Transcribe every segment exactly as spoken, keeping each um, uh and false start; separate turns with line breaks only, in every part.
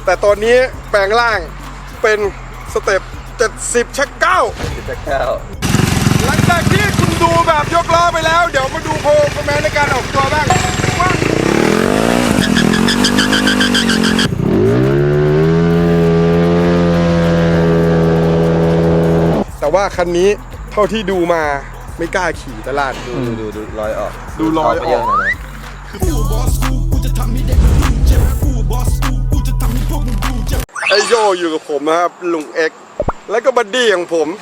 แต่ตอนนี้แปลงร่างเป็นสเต็ปเจ็ดสิบชักเก้า
ชักเก้า
หลังจากที่คุณดูแบบยกล้อไปแล้วเดี๋ยวมาดูโพลคอมเมนต์ในการออกตัวบ้างว่าแต่ว่าคันนี้เท่าที่ดูมาไม่กล้าขี่ตลาด
ดูดูดูรอยออก
ดูรอยออกไอโยอยู่กับผมนะครับลุงเอ็กแล้วก็บัดดี้ของผม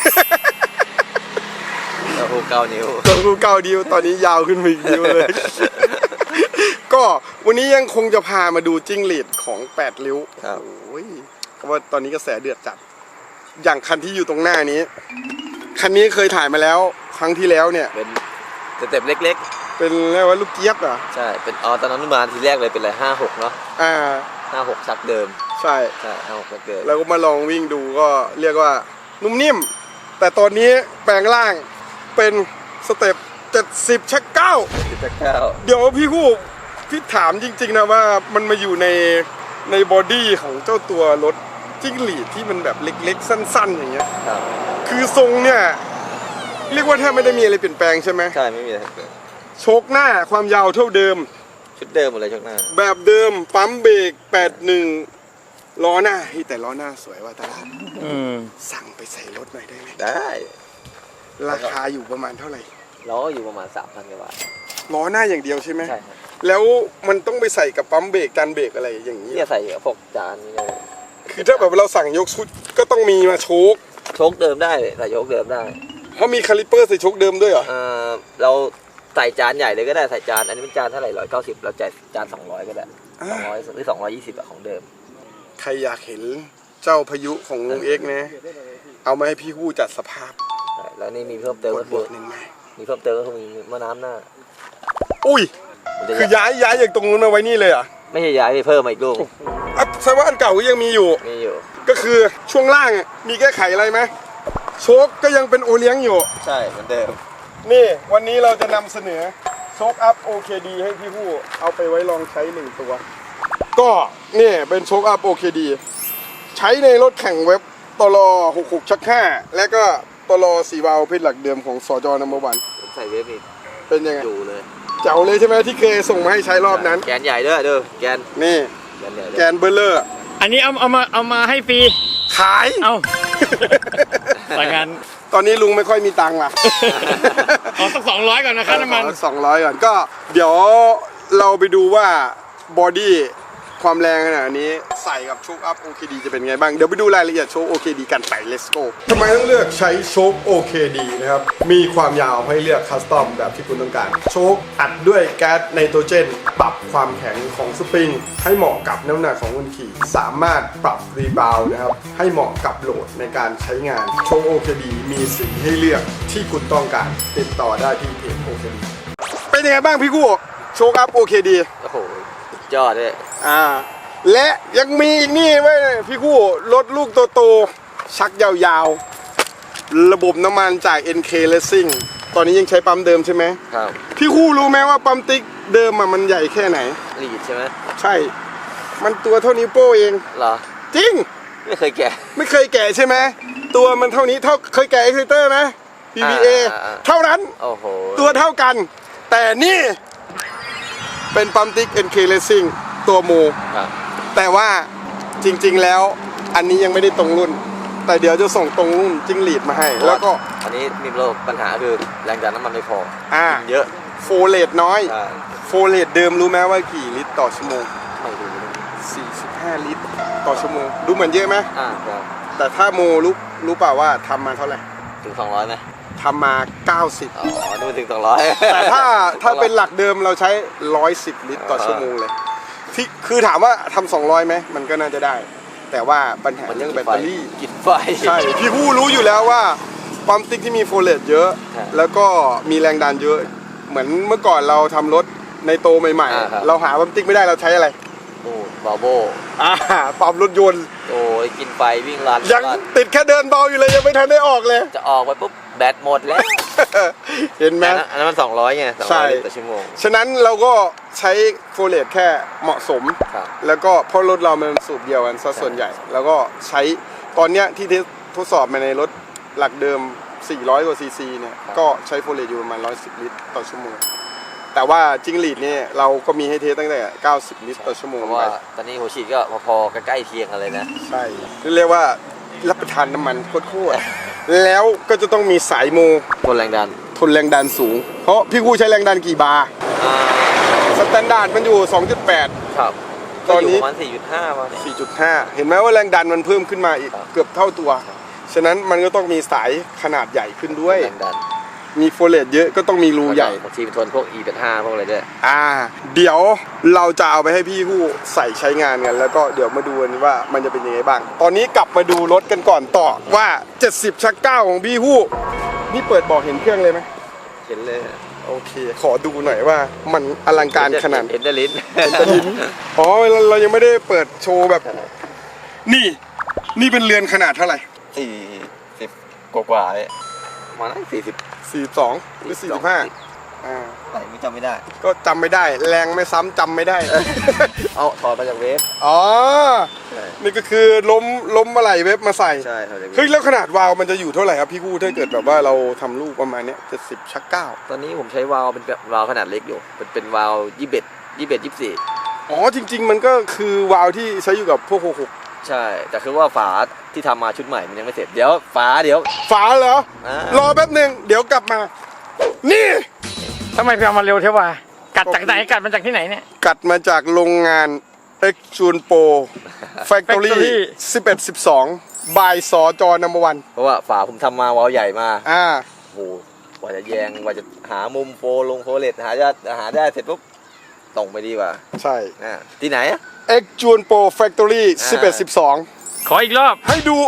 ตัวหูเก้านิ้ว
ตัวหูเก้านิ้วตอนนี้ยาวขึ้นมาอีกนิ้วเลย ก็วันนี้ยังคงจะพามาดูจิ้งหรีดของแปดริ้วโอ้ยก็ว่าตอนนี้กระแสเดือดจัดอย่างคันที่อยู่ตรงหน้านี้คันนี้เคยถ่ายมาแล้วครั้งที่แล้วเนี่ย
เป็นสเต็ปเล็ก
ๆเป็นเรียกว่าลูกเจี๊ยบอ่ะ
ใช่เป็นอ๋อตอนนั้นมาทีแรกเลยเป็นอะไรห้าหกเนาะ
อ่า
ห้าหกชักเดิม
ใช่
ใช่ห้าหกชักเดิม
แล้วก็มาลองวิ่งดูก็เรียกว่านุ่มนิ่มแต่ตอนนี้แปลงร่างเป็นสเต็ปเจ็ดสิบชักเก้า
ชักเก้า
เดี๋ยวพี่คู่พี่ถามจริงๆนะว่ามันมาอยู่ในในบอดี้ของเจ้าตัวรถจิ้งหรีดที่มันแบบเล็กๆสั้นๆอย่างเงี้ยคือทรงเนี่ยเรียกว่าแทบไม่ได้มีอะไรเปลี่ยนแปลงใช่ไหม
ใช่ไม่มีอะไรเปลี่ยน
โชคหน้าความยาวเท่าเดิม
ชุดเดิมหมดเลยโชคหน้า
แบบเดิมปั๊มเบรกแปดหนึ่งล้อหน้าแต่ล้อหน้าสวยว่าตลาดสั่งไปใส่รถหน่อยได้ไหม
ได้
ราคาอยู่ประมาณเท่าไหร่
ล้ออยู่ประมาณสามพันกว่าบาท
ล้อหน้าอย่างเดียวใช่ไหม
ใช่ครับ
แล้วมันต้องไปใส่กับปั๊มเบรกจานเบรกอะไรอย่างนี้
เนี่ยใส่พวกจานนี่เลย
คือถ้าแบบเราสั่งยกชุดก็ต้องมีมาโชค
โชคเดิมได้ใส่โชคเดิมได้
เพราะมีคาลิเปอร์ใส่โชคเดิมด้วยเหรอ
เออเราใส่จานใหญ่เลยก็ได้ใส่จานอันนี้เป็นจานเท่าไหร่ร้อยเก้าสิบเราจ่ายจานสองร้อยก็ได้สองร้อยหรือสองร้อยยี่สิบอะของเดิม
ใครอยากเห็นเจ้าพายุของลุงเอ็กนะเอามาให้พี่ฮู้จัดสภาพ
แล้วนี่มีเพิ่มเติมก็คือมีเพิ่มเติมก็คือมีมะน้ำหน้า
อุ้ยคือย้ายย้ายจากตรงนู้นมาไว้นี่เลยอ่ะ
ไม่ใช่ย้ายเพิ่มมาอีกลูก
อ่ะแสดงว่าอันเก่าก็ยังมีอยู่
มีอยู่
ก็คือช่วงล่างมีแก้ไขอะไรไหมโชคก็ยังเป็นโอเลี้ยงอยู่
ใช่เหมือนเดิม
นี่วันนี้เราจะนำเสนอโชคอัพ โอ เค ดี ให้พี่ฮู้เอาไปไว้ลองใช้หนึ่งตัวก็นี่เป็นโชคอัพ โอ เค ดี ใช้ในรถแข่งเว็บตลอหกหกชักห้าและก็ตลอสี่วาล์วเพชรหลักเดิมของสจนัมเบอร์วัน
ใส่เว็บอีก
เป็นยังไง
อยู่เลย
เจ๋วเลยใช่ไหมที่เคยส่งมาให้ใช้รอบนั้น
แกนใหญ่ด้วยเด้อแกน
นี่แกนเบลเลอร์
อันนี้เอาเอามาเอามาให้ฟรี
ขาย
เอาแต่งาน
ตอนนี้ลุงไม่ค่อยมีตังค์ล่ะ
ขอสักสองร้อยก่อนนะครับน้ำมัน
สองร้อยก่อนก็เดี๋ยวเราไปดูว่าบอดี้ความแรงขนาดนี้ใส่กับโชคอัพ โอ เค ดี จะเป็นไงบ้างเดี๋ยวไปดูรายละเอียดโชค โอ เค ดี กันไป let's go ทำไมต้องเลือกใช้โชค โอ เค ดี นะครับมีความยาวให้เลือกคัสตอมแบบที่คุณต้องการโชคอัดด้วยแก๊สไนโตรเจนปรับความแข็งของสปริงให้เหมาะกับน้ำหนักของคนขี่สามารถปรับรีบาวด์นะครับให้เหมาะกับโหลดในการใช้งานโชค โอ เค ดี มีสีให้เลือกที่คุณต้องการติดต่อได้ที่เพจ โอ เค ดี เป็นยังไงบ้างพี่กู้โชคอัพ โอ เค ดี
โอ้โหยอดเลย
อ่าและยังมีอีกนี่ไว้พี่คู่รถลูกโตๆชักยาวๆระบบน้ำมันจาก เอ็น เค Racing ตอนนี้ยังใช้ปั๊มเดิมใช่ไหม
ครับ
พี่คู่รู้ไหมว่าปั๊มติ๊กเดิมมันใหญ่แค่ไหน
ลีดใช่ไหม
ใช่มันตัวเท่านิ้วโป้เอง
เหรอ
จริง
ไม่เคยแกะ
ไม่เคยแกะใช่ไหมตัวมันเท่านี้เท่าเคยแกะ Exciter ไหม พี บี เอ เท่านั้น
โอ้โห
ตัวเท่ากันแต่นี่เป็นปั๊มติ๊ก เอ็น เค Racing ตัวโมแต่ว่าจริงๆแล้วอันนี้ยังไม่ได้ตรงรุ่นแต่เดี๋ยวจะส่งตรงรุ่นจิ้งหรีดมาให้แล้วก็
อันนี้มีปัญหาคือแรงดันน้ำมันไม่พอ
อ่า
เยอะ
โฟเลตน้อยโฟเลตเดิมรู้ไหมว่ากี่ลิตรต่อชั่วโมง
ไม่รู้
สี่สิบห้าลิตรต่อชั่วโมงดูเหมือนเยอะไหม
อ่าครับ
แต่ถ้าโมรู้รู้เปล่าว่าทำมาเท่าไหร่
ถึงสองร้อยไหม
ทำมาเก้าสิบ
อ๋อดูถึงสองร้อย
แต่ถ้าถ้าเป็นหลักเดิมเราใช้ร้อยสิบลิตรต่อชั่วโมงเลยที่คือถามว่าทำสองร้อยไหมมันก็น่าจะได้แต่ว่าปัญหาเรื่องแบตเตอรี่
กินไฟ
ใช่พี่ผู้รู้อยู่แล้วว่าปั๊มติ๊กที่มีโฟเลตเยอะแล้วก็มีแรงดันเยอะเหมือนเมื่อก่อนเราทำรถในโตใหม่ๆเราหาปั๊มติ๊กไม่ได้เราใช้อะไร
โอ้บาโบ
อ่าปั๊มรถยนต์
โอ้ยกินไฟวิ่งลัน
ยังติดแค่เดินเบาอยู่เลยยังไม่ทันได้ออกเลย
จะออกไปปุ๊บแบตหมดแล้ว
เห็นไหม
อันนั้นมันสองร้อยไงสอง
ใช่
ร้อยลิตรต่อชั่วโมง
ฉะนั้นเราก็ใช้โฟเลตแค่เหมาะสม
ครับ
แล้วก็เพราะรถเรามันสูบเดียวกันซะส่วนใหญ่ แล้วก็ใช้ตอนเนี้ยที่ทดสอบมาในรถหลักเดิม สี่ร้อย กว่าซีซีเนี่ย ก็ใช้โฟเลตอยู่ประมาณหนึ่งร้อยสิบ ลิตรต่อชั่วโมง แต่ว่าจิงหรีดเนี่ยเราก็มีให้เทสตั้งแต่ เก้าสิบ ลิตรต่อชั่วโมง
เพราะ
ไป
ว่าตอนนี้หัวฉีดก็พอๆใกล้ๆเคียงกันเลยนะ
ใช่เรียกว่ารับประทานน้ำมันโคตรๆแล้วก็จะต้องมีสายโม
ทนแรงดัน
ทนแรงดันสูง เพราะพี่กูใช้แรงดันกี่บาร์
อ่า
สแตนดาร์ดมันอยู่ สองจุดแปด
ครับ
ตอนนี้
ก็ยู่ประมาณสี่จุดห้าประมาณนี้
สี่จุดห้า เห็นไหมว่าแรงดันมันเพิ่มขึ้นมาอีก
ครับ
เกือบเท่าตัว ฉะนั้นมันก็ต้องมีสายขนาดใหญ่ขึ้นด้วย
แรงดัน
มีโฟเลตเยอะก็ต้องมีรูใหญ่
บางทีเป็นทนพวก อี แปดสิบห้า พวกอะไรด้วย
อ่า เดี๋ยวเราจะเอาไปให้พี่ผู้ใส่ใช้งานกัน แล้วก็เดี๋ยวมาดูกันว่ามันจะเป็นยังไงบ้าง ตอนนี้กลับมาดูรถกันก่อนต่อว่า เจ็ดสิบ ชักเก้าของพี่ผู้นี่เปิดบอกเห็นเครื่องเลยไหม
เห็นเลย
โอเค ขอดูหน่อยว่ามันอลังการขนาด
เห็นแต่ลิ้น
อ๋อเราเรายังไม่ได้เปิดโชว์แบบ นี่ นี่เป็นเรือนขนาดเท่าไหร่
สี่สิบกว่าๆเลยมาได้สี่สิบ
สี่สองหรือสี่สิบห้าอ่า
ไหนไม่จำไม่ได้
ก็จำไม่ได้ แรงไม่ซ้ำจำไม่ได้
เอาถอดมาจากเวฟ
อ๋อ
ใช่
นี่ก็คือล้มล้มอะไรเว็บมาใส่
ใช่ถอดจากเว
เฮ้ย
ฟ
แล้วขนาดวาล์วมันจะอยู่เท่าไหร่ครับพี่กู้ถ้าเกิดแบบว่าเราทำลูกประมาณเนี้ยเจ็ดสิบชักเก้า
ตอนนี้ผมใช้วาล์วเป็นแบบวาล์วขนาดเล็กอยู่ เป็นเป็นวาล์วยี่สิบเอ็ดยี่สิบเอ็ดยี่สิบสี่
อ๋อจริง ๆ มันก็คือวาล์วที่ใช้อยู่กับพวกหกหก
ใช่ แต่คือว่าฝาที่ทำมาชุดใหม่มันยังไม่เสร็จ เดี๋ยวฝาเดี๋ยว
ฝาเหรอ
อ่าร
อแป๊บหนึ่งเดี๋ยวกลับมา นี่
ทำไมพี่เอามาเร็วเท่าวะกัดจากไหนกัดมาจากที่ไหนเนี่ย
กัดมาจากโรงงาน X Junpo Factory
Factory
สิบเอ็ด สิบสองบายสอจอนัมเบอร์วัน
เพราะว่าฝาผมทำมาวาล์วใหญ่มา
อ่า
โอ้โหกว่าจะแยงกว่าจะหามุมโฟลงโฟเลตหาได้หาได้เสร็จปุ๊บตรงไปดีกว่า
ใช่
อ่าที่ไหนอะ
X Junpo Factory
อ่า
สิบเอ็ด สิบสอง
ขออีกรอบ
ให้ดู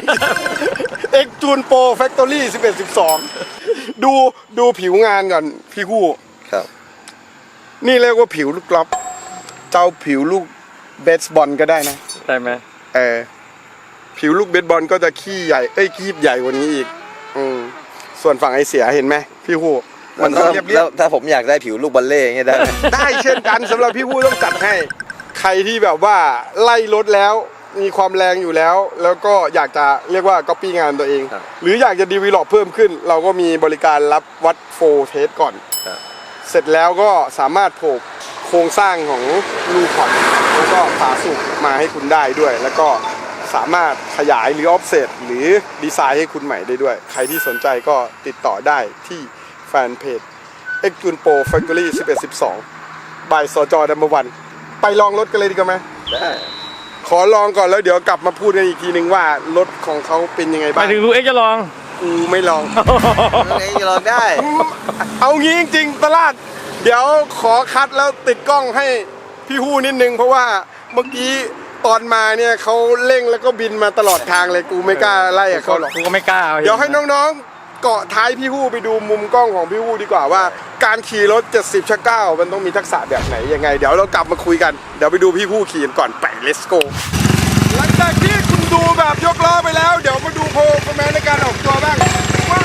X Junpo Factory สิบเอ็ด สิบสองดูดูผิวงานก่อนพี่กู้
ครับ
นี่เรียกว่าผิวลูกกลอฟเจ้าผิวลูกเบสบอลก็ได้นะ
ได้ไหม
เออผิวลูกเบสบอลก็จะขี้ใหญ่เอ้ยคีบใหญ่กว่านี้อีกอืมส่วนฝั่งไอเสียเห็นไหมพี่ฮู้มันต้องเรียบเรีย
แล้
บ
วถ้าผมอยากได้ผิวลูกบอลเล่อย่างเงี้ยได้ไหม
ได้เช่นกันสำหรับพี่ฮู้ต้องจัดให้ ใครที่แบบว่าไล่รถแล้วมีความแรงอยู่แล้ว แล้วก็อยากจะเรียกว่าก๊อปปี้งานตัวเอง
ครับ
หรืออยากจะดีวีลอปเพิ่มขึ้น เราก็มีบริการรับวัดโฟเทสก่อน
ครับ
เสร็จแล้วก็สามารถโผล่โครงสร้างของลูคอร์ดแล้วก็ฝาสูบมาให้คุณได้ด้วย แล้วก็สามารถขยายหรือออฟเซตหรือดีไซน์ให้คุณใหม่ได้ด้วย ใครที่สนใจก็ติดต่อได้ที่แฟนเพจ X Junpo Factory สิบเอ็ด สิบสองบายสจดัมเบอร์วันไปลองรถกันเลยดีกว่าไหม
ได้
ขอลองก่อนแล้วเดี๋ยวกลับมาพูดกันอีกทีนึงว่ารถของเขาเป็นยังไง
ไป
บ้าง
ถึงลูกเอ็กซ์จะลอง
กูไม่ลอง
เองจะลองได้
เอางี้จริงๆตลาด เดี๋ยวขอคัดแล้วติดกล้องให้พี่ฮู้นิดนึง เพราะว่าเมื่อกี้ตอนมาเนี่ยเขาเร่งแล้วก็บินมาตลอดทางเลยกูไม่กล้าไล่กับเขาหรอก
กูก็ไม่กล้าอา
เดี๋ยวให้น้องๆเกาะท้ายพี่ฮู้ไปดูมุมกล้องของพี่ฮู้ดีกว่าว่า การขี่รถเจ็ดสิบชักเก้ามันต้องมีทักษะแบบไหนยังไง เดี๋ยวเรากลับมาคุยกันเดี๋ยวไปดูพี่ฮู้ขี่กันก่อนไป let's go หลังจากที่คุณดูแบบยกล้อไปแล้ว เดี๋ยวมาดูโพลคอมเมนต์ในการออกตัวบ้างว่า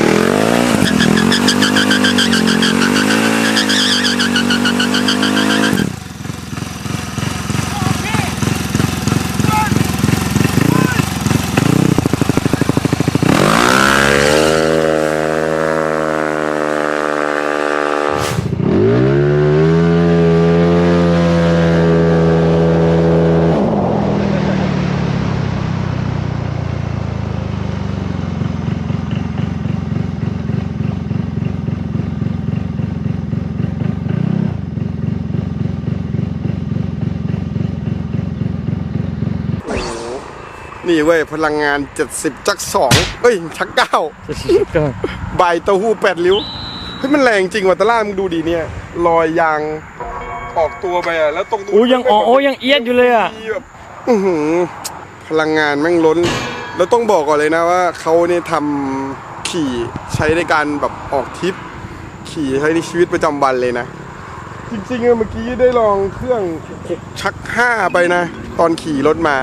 นี่เว้ยพลังงานเจ็ดสิบชักสองเอ้ยชักเก้า ใบเต้าหู้แปดริ้วเฮ้ยมันแรงจริงว่ะตะล่ามึงดูดีเนี่ยรอยยางออกตัวไปอ่ะแล้วตรงนู้น
อู้ยังอ๋อโอ้ยังเอียดอยู่เลยอ่ะ
มีแบบอื้อหือพลังงานแม่งล้น แล้วต้องบอกก่อนเลยนะว่าเขาเนี่ยทำขี่ใช้ในการแบบออกทริปขี่ใช้ในชีวิตประจำวันเลยนะ จริงๆอะเมื่อกี้ได้ลองเครื่องหกชักห้าไปนะ ตอนขี่รถมา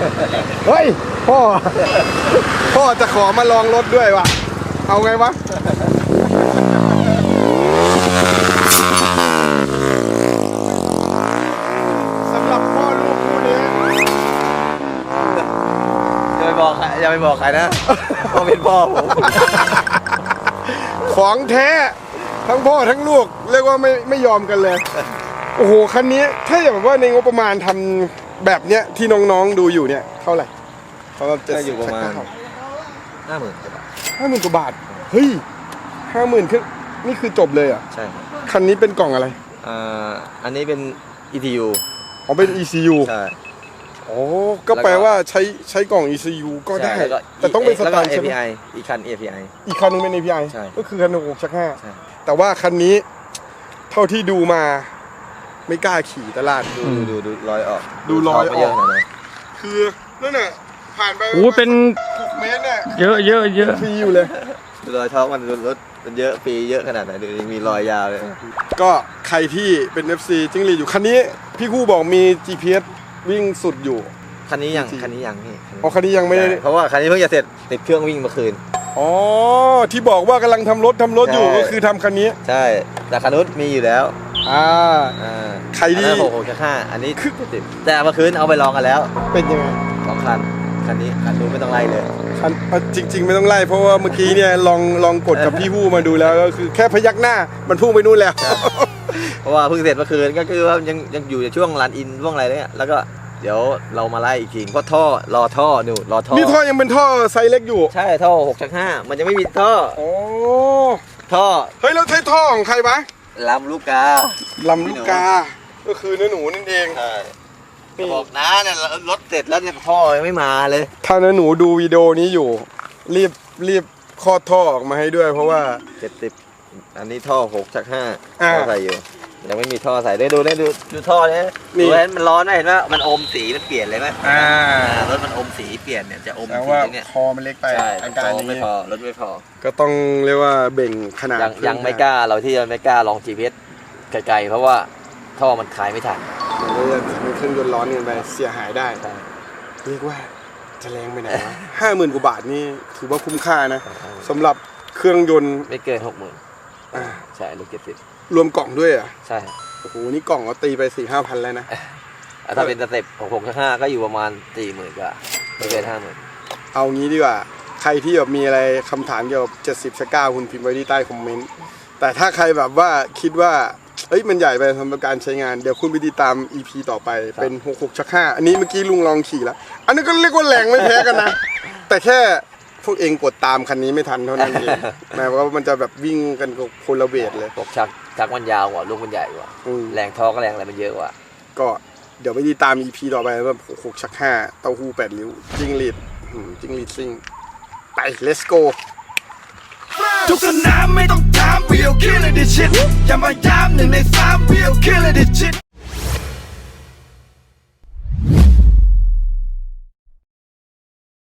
เฮ้ยพ่อ พ่อจะขอมาลองรถด้วยวะเอาไงวะสำหรับพ่อลูกคู่นี้
อย่าไปบอกใครอย่าไปบอกใครนะเขาเป็นพ่อผม
ของแท้ทั้งพ่อทั้งลูกเรียกว่าไม่ไม่ยอมกันเลย โอ้โหคันนี้ถ้าอย่างว่าในงบประมาณทำแบบเนี้ยที่น้องๆดูอยู่เนี่ยเท่าไหร่เขาจะ
ก็อยู่ประมาณห้าหมื่นกว่าบาท
ห้าหมื่นกว่าบาทเฮ้ยห้าหมื่นขึ้นนี่คือจบเลยเหรอ่ะ
ใช่ครับ
คันนี้เป็นกล่องอะไร
อ่าอันนี้เป็น อี ที ยู
อ๋อเป็น อี ซี ยู
ใช่
โอ้ก็แปลว่าใช้ใช้กล่อง อี ซี ยู ก็ได้
ใช่แล้วก็
แต่ต้องเป็นส
แล้ว
แต
ก็
นด์ใช่ไหม
เอ พี ไอ อีกคัน เอ พี ไอ
อีกคันนึงเป็น เอ พี ไอ
ใช่
ก็คือคันหนึ่งหกชักห้า
ใช่
แต่ว่าคันนี้เท่าที่ดูมาไม่กล้าขี่ตลาด
ดูดูดูรอยออก
ดูรอยออก
ไปเยอะขนาดไหน
คือนั่นน่ะผ่านไป
โอ้เป็น
หกเมตรเนี่ย
เยอะเยอะเยอะ
ฟรีอยู่เลย
ดูรอยท้องมันรถมันเยอะปีเยอะขนาดไหนดูมีรอยยาวเลย
ก็ใครที่เป็น เอฟ ซี จิ้งหรีดอยู่คันนี้พี่คู่บอกมี จี พี เอส วิ่งสุดอยู่
คันนี้ยัง
จริง
คันนี้ยังนี่
อ๋อคันนี้ยังไม่ได้
ใช่เพราะว่าคันนี้เพิ่งจะเสร็จติดเครื่องวิ่งเมื่อคืน
อ๋อที่บอกว่ากำลังทำรถทำรถอยู่
ใช่
ก็คือทำคันนี้
ใช่แต่คันนู้นมีอยู่แล้ว
อ่า
อ่า
ใครที่
อันนั้นหกหกชักห้าอันนี้ติดแต่เมื่อคืนเอาไปลองกันแล้ว
เป็นยังไง
สองคันคันนี้คันนู้นไม่ต้องไล่เลย
คันเอาจริง ๆ ไม่ต้องไล่เพราะว่าเมื่อกี้เนี่ยลองลองกดกับพี่คู่มาดูแล้วก็คือแค่พยักหน้ามันพุ่งไปนู่นแล้ว
เพราะว่าเพิ่งเสร็จเมื่อคืนก็คือว่ายังยังอยู่ในช่วงรันอินช่วงอะไรเนี่ยแล้วก็เดี๋ยวเรามาไล่อีกทีก็ท่อรอท่อดูรอท่อ
นี่ท่อยังเป็นท่อไซส์เล็กอยู่
ใช่ท่อหกชักห้ามันจะไม่มีท่อ
โอ้
ท่อ
เฮ้ยแล้วใช้ท่อของใครวะ
ลำลูกกา
ลำลูกกา ก็คือเนื้อหนูนั่นเอง
ใช่
นี่
บอกนะเนี่ยรถเสร็จแล้วเนี่ยท่อยังไม่มาเลย
ถ้าเนื้อหนูดูวิดีโอนี้อยู่ รีบรีบคลอดท่อออกมาให้ด้วย เพราะว่า
เจ็ดสิบอันนี้ท่อหกชักห้า
อ่า
ท่อใส่อยู่ยังไม่มีท่อใส่ได้ดูได้ดูดูท่อเนี่ย
นี่
ดูเห็นมันร้อนไหมเห็นว่ามันอมสีมันเปลี่ยนเลยไหม
อ่า
อ่ารถมันอมสีเปลี่ยนเนี่ยจะอม
แต่
สี
ว่า
เนี่ย
คอมันเล็กไป
ใช่
อาการ
ท่อ
นี้
ไม่พอรถไม่พอ
ก็ต้องเรียกว่าเบ่งขนาด
ยัง
เครื่อ
ยังไม่กล้าเราที่ยังไม่กล้าลอง จี พี เอส ไกลๆเพราะว่าท่อมันคลายไม่ทัน
มันก็จะทำให้เครื่องยนต์ร้อนเกินไปเสียหายได้
ใช่
เรียกว่าจะแรงไปไหนวะ ห้าหมื่นกว่าบาทนี่ถือว่าคุ้มค่านะสำหรับเครื่องยนต์
ไม่เกินหกหมื่น
อ่า
ใช่รถเจ็ดสิบ
รวมกล่องด้วยอ่ะ
ใช่
โอ้โหนี่กล่องก็ตีไปสี่ห้าพันแล้วนะ
ถ้าเป็นสเต็ปหกหกห้าก็อยู่ประมาณสี่หมื่นกว่าไม่เกินห้าหมื่น
เอางี้ดีกว่า ใครที่แบบมีอะไรคำถามเกี่ยวกับเจ็ดสิบชักเก้าคุณพิมพ์ไว้ที่ใต้คอมเมนต์ แต่ถ้าใครแบบว่าคิดว่าเอ้ยมันใหญ่ไปสำหรับการใช้งาน เดี๋ยวคุณไปติดตาม อี พี ต่อไปเป็นหกหกชักห้าอันนี้เมื่อกี้ลุงลองขี่แล้ว อันนี้ก็เรียกว่าแรงไม่แพ้กันนะ แต่แค่พวกเองกดตามคันนี้ไม่ทันเท่านั้นเองหมายว่ามันจะแบบวิ่งกันกับคนละเวทเลย
พวกชักชักมันยาวกว่าลูกมันใหญ่กว่า
อืม
แรงท่อก็แรงอะไรมันเยอะกว่า
ก็เดี๋ยวไปติดตาม อี พี ต่อไปว่าหกหกชักห้าเต้าหู้แปดริ้วจิงหรีดอืมจิงหรีดซิ่งไป let's go
ทุกสนามไม่ต้องถาม we'll kill it this shit อย่ามาย้ำหนึ่งในสาม we'll kill it this shit